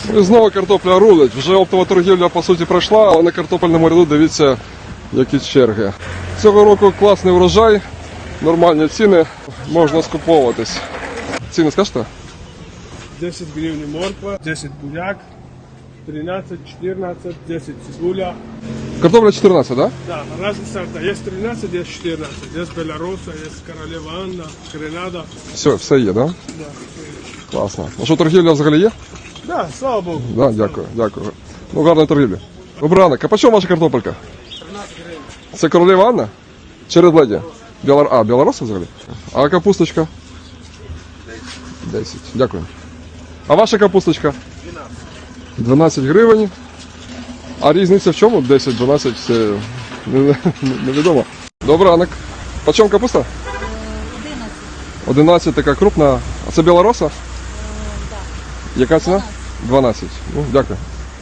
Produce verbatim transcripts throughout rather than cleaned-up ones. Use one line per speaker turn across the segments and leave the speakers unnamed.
І знову картопля рулить. Вже оптова торгівля по суті пройшла, але на картопельному ряду дивіться, які черги. Цього року класний врожай, нормальні ціни, можна скуповуватись. Ціни скажете?
десять гривен морква, десять буряк, тринадцать, четырнадцать, десять цибуля.
Картопля чотирнадцять, так?
Да, разные сорта. Есть тринадцать, есть четырнадцать. Есть Беларуса, есть Королева Анна, Гренада.
Все, все є, так? Да?
Да.
Класно. А що, торгівля взагалі є?
Да, слава Богу.
Да, дякую, дякую. Ну, гарної торгівлі. Добрий ранок. А по чому ваша картопелька?
тринадцать гривен.
Це Королева Анна? Чи Red Lady? Білор... А, білоруса взагалі? А капусточка? десять. Дякую. А ваша капусточка? дванадцять гривень. А різниця в чому? десять, дванадцять, це невідомо. Добрий ранок. По чому капуста?
одинадцять.
одинадцять, така крупна. А це білороса?
Так.
Яка ціна? дванадцять. Ну, дякую.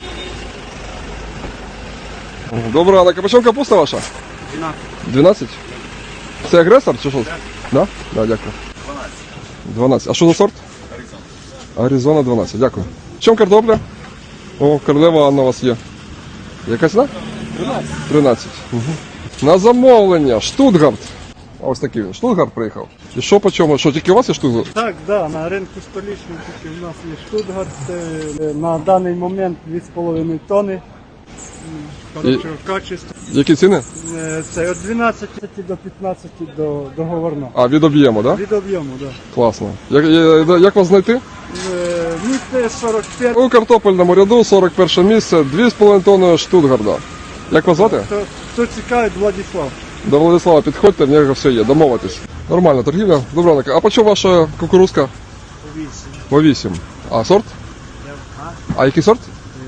Добрий ранок. А по чому капуста ваша?
двенадцать.
дванадцять? Це агресор чи що? Так. Да? Да, дякую. дванадцять. А що за сорт? Аризона. Аризона дванадцять, дякую. В чому картопля? О, Королева Анна у вас є. Яка ціна?
тринадцать.
тринадцять. Угу. На замовлення. Штутгарт. Ось такий він. Штутгарт приїхав. І що по чому? Що, тільки у вас є Штутгарт?
Так, да, на ринку столичному тільки в нас є Штутгарт. Це на даний момент дві з половиною тонни. Хорошого качества.
Які ціни?
Е, Це від дванадцяти до п'ятнадцяти до договорно.
А, від об'єму, так? Да?
Від об'єму, так.
Класно. Як, я- як вас знайти?
Да. Місце сорок п'ять.
У картопельному ряду сорок перше місце, дві з половиною тонни Штутгарда. Як вас звати?
Хто, хто цікавить, Владислав.
До Владислава підходьте, в нього все є, домовитись. Нормальна торгівля. Добре, ранок. А по чому ваша кукурузка?
Вісім.
По вісім. А сорт? А який сорт?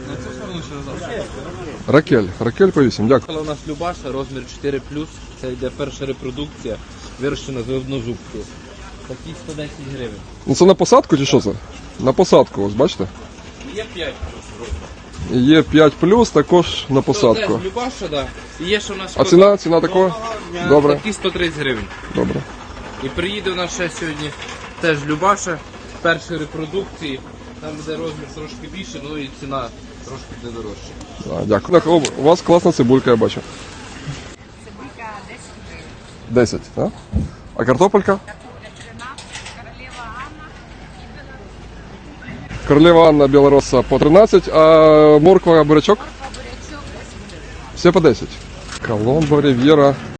Ракель. Ракель по вісім, дякую.
У нас Любаша, розмір чотири плюс, це йде перша репродукція, вирощена з однозубки. Такі сто десять гривень.
Ну це на посадку чи що це? На посадку, ось бачите?
Є п'ять.
І є п'ять плюс, також на
Це
посадку.
теж Любаша, да. І є, що у нас
А ціна? Ціна такого? Добре.
такі сто тридцять гривень.
Добре.
І приїде у нас ще сьогодні теж Любаша, першої репродукції, там буде розмір трошки більше, ну і ціна трошки буде дорожча.
А, дякую. Так, о, у вас класна цибулька, я бачу.
Цибулька десять гривень.
десять, так? А картопелька?
Картопля тринадцять, королева Анна і Беларусь.
Королева Анна Білороса по тринадцять, а морква, бурячок?
Морква, бурячок десять гривень.
Все по десять. Коломбо, Рив'єра.